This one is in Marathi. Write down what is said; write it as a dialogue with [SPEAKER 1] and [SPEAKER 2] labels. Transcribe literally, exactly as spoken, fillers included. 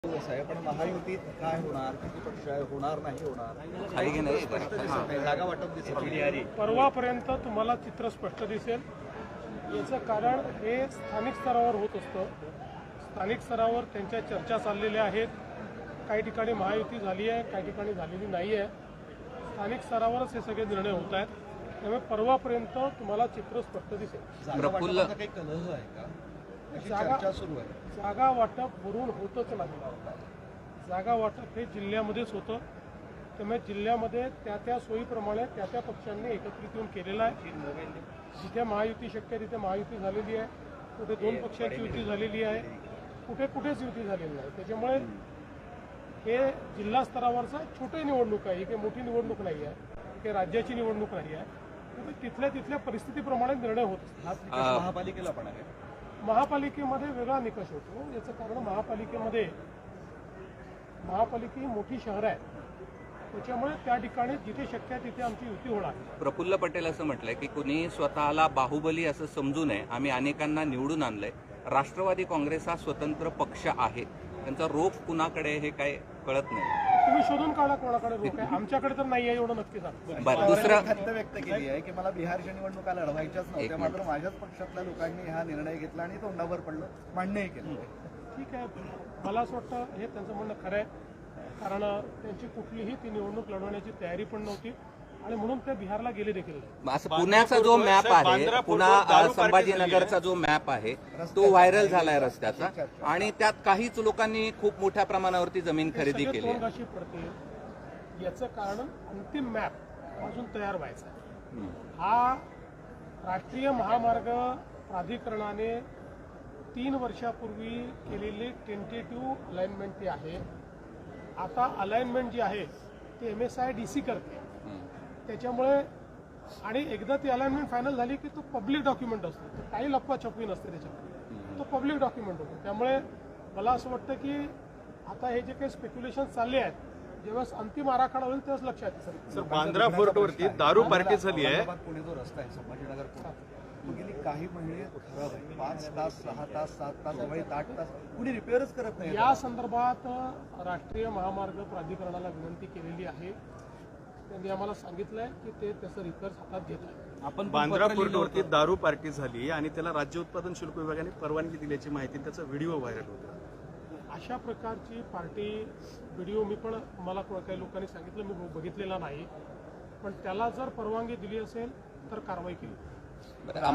[SPEAKER 1] आहे पण महायुतीत काय होणार, किती पक्ष आहे, होणार नाही होणार,
[SPEAKER 2] काही नाही.
[SPEAKER 1] स्पष्ट दिसत नाही. जागा वाटप दिसत नाही.
[SPEAKER 3] परवापर्यंत तुम्हाला चित्र स्पष्ट दिसेल. याचं कारण हे स्थानिक स्तरावर होत असतं. स्थानिक स्तरावर त्यांच्या चर्चा चाललेल्या आहेत. काही ठिकाणी महायुती झाली आहे, काही ठिकाणी झालेली नाही आहे. स्थानिक स्तरावरच हे सगळे निर्णय होत आहेत. त्यामुळे परवापर्यंत तुम्हाला चित्र स्पष्ट दिसेल.
[SPEAKER 1] जागा वाटपाचा काही कलह आहे का? अशी चर्चा सुरू आहे.
[SPEAKER 3] जागा वाटप वरून होतच नाही. जागा वाटप हे जिल्ह्यामध्येच होतं. त्यामुळे जिल्ह्यामध्ये त्या त्या सोयीप्रमाणे त्या त्या पक्षांनी एकत्रित येऊन केलेलं आहे. जिथे महायुती शक्य आहे तिथे महायुती झालेली आहे. कुठे दोन पक्षांची युती झालेली आहे, कुठे कुठेच युती झालेली नाही. त्याच्यामुळे हे जिल्हा स्तरावरचा छोटी निवडणूक आहे. ही काही मोठी निवडणूक नाही आहे, काही राज्याची निवडणूक नाही आहे. तिथल्या तिथल्या परिस्थितीप्रमाणे निर्णय होत असतात.
[SPEAKER 1] हाच निकष महापालिकेला पण आहे.
[SPEAKER 3] महापालिकेमध्ये वेगळा निकष होतो. याचं कारण महापालिकेमध्ये महापालिका ही मोठी शहर आहे. त्याच्यामुळे त्या ठिकाणी जिथे शक्य आहे तिथे आमची युती होणार.
[SPEAKER 2] प्रफुल्ल पटेल असं म्हटलंय की कुणी स्वतःला बाहुबली असं समजू नये. आम्ही अनेकांना निवडून आणलंय. राष्ट्रवादी काँग्रेस हा स्वतंत्र पक्ष आहे. त्यांचा रोख कुणाकडे हे काय कळत नाही.
[SPEAKER 3] तुम्ही शोधून काढा कोणाकडे रोख आहे. आमच्याकडे तर नाही आहे एवढं नक्की सांग.
[SPEAKER 2] बरं, दुसरं
[SPEAKER 1] खंत व्यक्त केली आहे की मला बिहारच्या निवडणुका लढवायच्याच नव्हत्या, मात्र माझ्याच पक्षातल्या लोकांनी हा निर्णय घेतला आणि तोंडावर पडलं, मान्यही केलं.
[SPEAKER 3] ठीक आहे, मला असं वाटतं हे त्यांचं म्हणणं खरं आहे. कारण त्यांची कुठलीही ती निवडणूक लढवण्याची तयारी पण नव्हती आणि म्हणून ते बिहारला गेले देखील.
[SPEAKER 2] असं पुण्याचा जो मॅप आहे, पुन्हा संभाजीनगरचा जो मॅप आहे तो व्हायरल झालाय रस्त्याचा, आणि त्यात काहीच लोकांनी खूप मोठ्या प्रमाणावरती जमीन खरेदी केली आहे.
[SPEAKER 3] तोंडघाशी पडते. याचं कारण अंतिम मॅप अजून तयार व्हायचा आहे. हा राष्ट्रीय महामार्ग प्राधिकरणाने तीन वर्षापूर्वी केलेली टेंटेटिव्ह अलाइनमेंट ती आहे. आता अलाइनमेंट जी आहे ती M S I D C करते. त्याच्यामुळे आणि एकदा ती अलाइनमेंट फायनल झाली की तो पब्लिक डॉक्युमेंट असतो. काही लपवाछपवी नसते त्याच्यामध्ये, तो पब्लिक डॉक्युमेंट होतो. त्यामुळे मला असं वाटतं की आता हे जे काही स्पेक्युलेशन चालले आहेत, जेव्हा अंतिम आराखडा होईल तेव्हाच लक्षात येईल.
[SPEAKER 4] सर, बांद्रा फोर्टवरती दारू पार्टी झाली आहे.
[SPEAKER 1] पुणे जो रस्ता आहे संभाजीनगर पुणे, तो गेली काही महिने खराब आहे. पाच तास सहा तास सात तास वैत आठ तास कुणी रिपेअरच करत नाही.
[SPEAKER 3] या संदर्भात राष्ट्रीय महामार्ग प्राधिकरणाला विनंती केलेली आहे. त्यांनी आम्हाला सांगितलंय की ते त्याचं रिपेअर्स हातात घेत आहे.
[SPEAKER 4] आपण बांद्रा फोर्टवरती दारू पार्टी झाली आणि त्याला राज्य उत्पादन शुल्क विभागाने परवानगी दिल्याची माहिती, त्याचा व्हिडिओ व्हायरल होता.
[SPEAKER 3] अशा प्रकारची पार्टी व्हिडिओ मी पण मला काही लोकांनी सांगितलं, मी बघितलेला नाही. पण त्याला जर परवानगी दिली असेल तर कारवाई केली.